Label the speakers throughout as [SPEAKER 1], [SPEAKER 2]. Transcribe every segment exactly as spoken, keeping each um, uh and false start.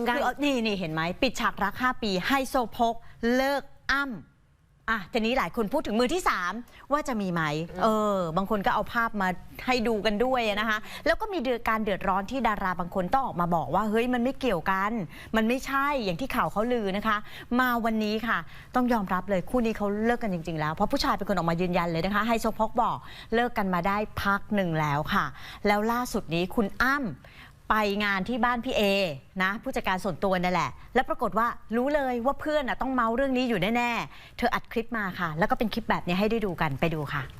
[SPEAKER 1] คือนี่นี่เห็นไหมปิดฉากรักห้าปีไฮโซโพกเลิกอ้ำอ่ะทีนี้หลายคนพูดถึงมือที่สามว่าจะมีไหมเออบางคนก็เอาภาพมาให้ดูกันด้วยนะคะแล้วก็มีการเดือดร้อนที่ดาราบางคนต้องออกมาบอกว่าเฮ้ยมันไม่เกี่ยวกันมันไม่ใช่อย่างที่ข่าวเขาลือนะคะมาวันนี้ค่ะต้องยอมรับเลยคู่นี้เขาเลิกกันจริงๆแล้วเพราะผู้ชายเป็นคนออกมายืนยันเลยนะคะไฮโซโพกบอกเลิกกันมาได้พักหนึ่งแล้วค่ะแล้วล่าสุดนี้คุณอ้ำไปงานที่บ้านพี่เอนะผู้จัดการส่วนตัวนั่นแหละแล้วปรากฏว่ารู้เลยว่าเพื่อนต้องเมาเรื่องนี้อยู่แน่ๆเธออัดคลิปมาค่ะแล้วก็เป็นคลิปแบบนี้ให้ได้ดูกันไปดูค่ะ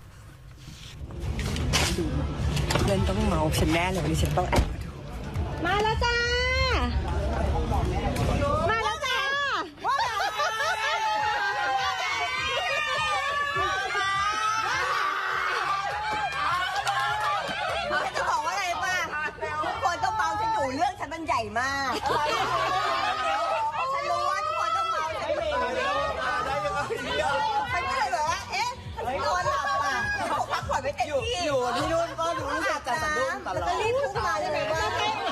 [SPEAKER 2] เพื่อนต้องเมาฉันแน่เลยวันนี้ฉันต้องแอบมาดู
[SPEAKER 3] มาแล้วจ้ามาแล้วจ้า
[SPEAKER 2] จะบอกว่าอะไรป่ะทุกคนต้องเมาฉันอยู่เรื่องฉันมันใหญ่มากฉันรู้ว่าทุกคนต้องเมาฉันอยู่ฉันก็เลยแบบว่าเอ๊ะนอนหลับอ่ะผมพักผ่อนไม่เต็มที่อยู่ที่นู่นก็รู้จักจะสะดุ้งตลอดแล้วรีบพุ่งมาเลยว่า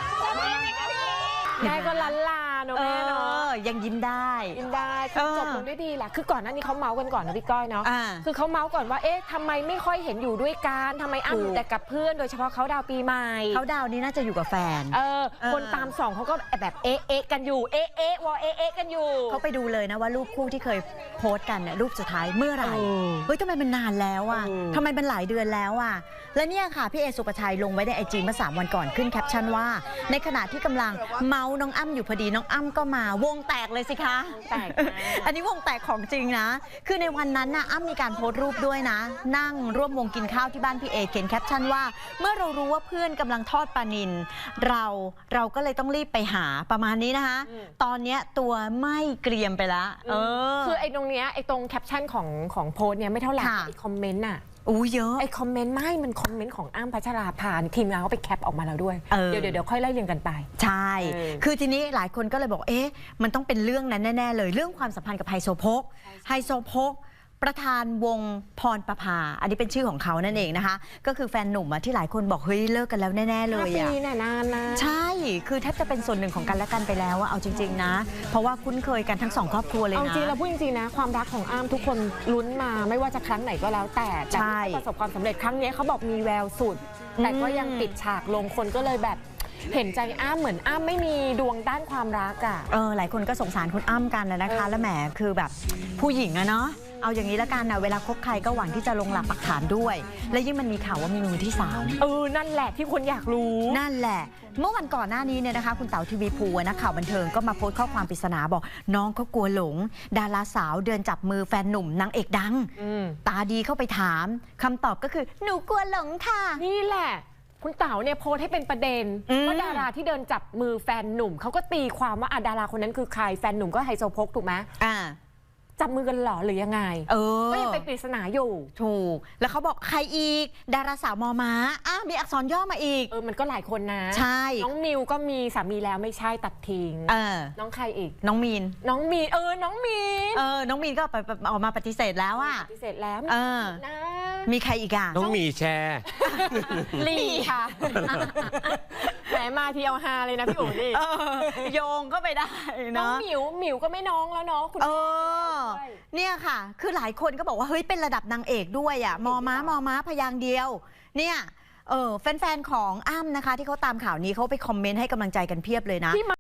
[SPEAKER 3] แม่ก็ลันลาเนอะแม่เนาะ
[SPEAKER 1] ยังยิ้มได้
[SPEAKER 3] ยิ้มได้คือจบลงด้วยดีแหละคือก่อนหน้านี้เขาเมาส์กันก่อนนะพี่ก้อยเนาะคือเขาเมาส์ก่อนว่าเอ๊ะทำไมไม่ค่อยเห็นอยู่ด้วยกันทำไมอ้ำอยู่แต่กับเพื่อนโดยเฉพาะเขาดาวปีใหม่
[SPEAKER 1] เขาดาวนี้น่าจะอยู่กับแฟน
[SPEAKER 3] เออคนตามส่องเขาก็แบบเอ๊ะเอ๊ะกันอยู่เอ๊ะเอ๊ะวอเอ๊ะเอ๊ะกันอยู่
[SPEAKER 1] เขาไปดูเลยนะว่ารูปคู่ที่เคยโพสต์กันเนี่ยรูปสุดท้ายเมื่อไหร่เฮ้ยทำไมมันนานแล้วอ่ะทำไมมันหลายเดือนแล้วอ่ะและเนี่ยค่ะพี่เอสุปชัยลงไว้ในไอจีเมื่อสามวันก่อนขึ้นแคปชั่นว่าในขณะที่กำลังเมาน้องอ้ำอยู่พอดีน้องอ้ำก็มาวงแตกเลยสิคะ
[SPEAKER 3] แตก
[SPEAKER 1] อันนี้วงแตกของจริงนะคือในวันนั้นน่ะอ้ำมีการโพสต์รูปด้วยนะนั่งร่วมวงกินข้าวที่บ้านพี่เอเขียนแคปชั่นว่าเมื่อเรารู้ว่าเพื่อนกำลังทอดปลานิลเราเราก็เลยต้องรีบไปหาประมาณนี้นะคะตอนนี้ตัวไม่เกรียมไปแล้วเออ
[SPEAKER 3] คือไอ้ตรงเนี้ยไอ้ตรงแคปชั่นของของโพสต์เนี้ยไม่เท่าไหร่ไอ้คอมเมนต์น่ะ
[SPEAKER 1] อู้เยอะ
[SPEAKER 3] ไอ้คอมเมนต์ไม่มันคอมเมนต์ของอ้ำพัชราภาทีมงานเขาไปแคปออกมาแล้วด้วยเดี๋ยวเดี๋ยวเดี๋ยวค่อยไล่เรียงกันไป
[SPEAKER 1] ใช่คือทีนี้หลายคนก็เลยบอกเอ๊ะมันต้องเป็นเรื่องนั้นแน่ๆเลยเรื่องความสัมพันธ์กับไฮโซโพกไฮโซโพกประธานวงพรประภาอันนี้เป็นชื่อของเขานั่นเองนะคะก็คือแฟนหนุ่มที่หลายคนบอกเฮ้ยเลิกกันแล้วแน่ๆเลย
[SPEAKER 3] อ่ะปีนานนะ
[SPEAKER 1] ใช่คือแทบจะเป็นส่วนหนึ่งของกันและกันไปแล้วอะเอาจริงๆนะเพราะว่าคุ้นเคยกันทั้งสองครอบครัวเลยนะ
[SPEAKER 3] เอาจริงเราพูดจริงๆนะความรักของอ้ำทุกคนลุ้นมาไม่ว่าจะครั้งไหนก็แล้วแต่แต่ประสบความสำเร็จครั้งนี้เขาบอกมีแววสุดแต่ก็ยังปิดฉากลงคนก็เลยแบบเห็นใจอ้ำเหมือนอ้ำไม่มีดวงด้านความรักอะ
[SPEAKER 1] เออหลายคนก็สงสารคุณอ้ำกันนะคะแล้วแหมคือแบบผู้หญิงอะเนาะเอาอย่างนี้ละกันนะเวลาคบใครก็หวังที่จะลงหลักปักฐานด้วยและยิ่งมันมีข่าวว่ามีมือที่สาม
[SPEAKER 3] เออนั่นแหละที่คนอยากรู้
[SPEAKER 1] นั่นแหละเมื่อวันก่อนหน้านี้เนี่ยนะคะคุณเต๋าทีวีภูนักข่าวบันเทิงก็มาโพสต์ข้อความปริศนาบอกน้องเขากลัวหลงดาราสาวเดินจับมือแฟนหนุ่มนางเอกดังตาดีเข้าไปถามคำตอบก็คือหนูกลัวหลงค่ะ
[SPEAKER 3] นี่แหละคุณเต๋าเนี่ยโพสต์ให้เป็นประเด็นว่าดาราที่เดินจับมือแฟนหนุ่มเขาก็ตีความว่าดาราคนนั้นคือใครแฟนหนุ่มก็ไฮโซโพกถูกไหม
[SPEAKER 1] อ่า
[SPEAKER 3] จับมือกันหรอหรือยังไง
[SPEAKER 1] เออ
[SPEAKER 3] ก็ยังเป็นปริศนาอยู่
[SPEAKER 1] ถูกแล้วเขาบอกใครอีกดาราสาวมอม้าอ่ะมีอักษรย่อมาอีก
[SPEAKER 3] เออมันก็หลายคนนะ
[SPEAKER 1] ใช่
[SPEAKER 3] น้องมิวก็มีสามีแล้วไม่ใช่ตัดทิ้ง
[SPEAKER 1] เออ
[SPEAKER 3] น้องใครอีก
[SPEAKER 1] น้องมีน
[SPEAKER 3] น้องมีนเออน้องมีน
[SPEAKER 1] เออน้องมีนก็ออกมาปฏิเสธแล้วอ่ะ
[SPEAKER 3] ปฏิเสธแล้ว
[SPEAKER 1] เออมีใครอีกอ่ะ
[SPEAKER 4] น้องมีแชร์
[SPEAKER 3] ลีค่ะแหมมาทีเอาฮาเลยนะพี่อู๋นี่
[SPEAKER 1] โยงก็ไปได้
[SPEAKER 3] น้องหมิวหมิวก็ไม่น้องแล้วเนาะคุณ
[SPEAKER 1] เออเนี่ยค่ะคือหลายคนก็บอกว่าเฮ้ยเป็นระดับนางเอกด้วยอ่ะมอม้ามอม้าพยางเดียวเนี่ยเออแฟนๆของอ้ำนะคะที่เขาตามข่าวนี้เขาไปคอมเมนต์ให้กำลังใจกันเพียบเลยนะ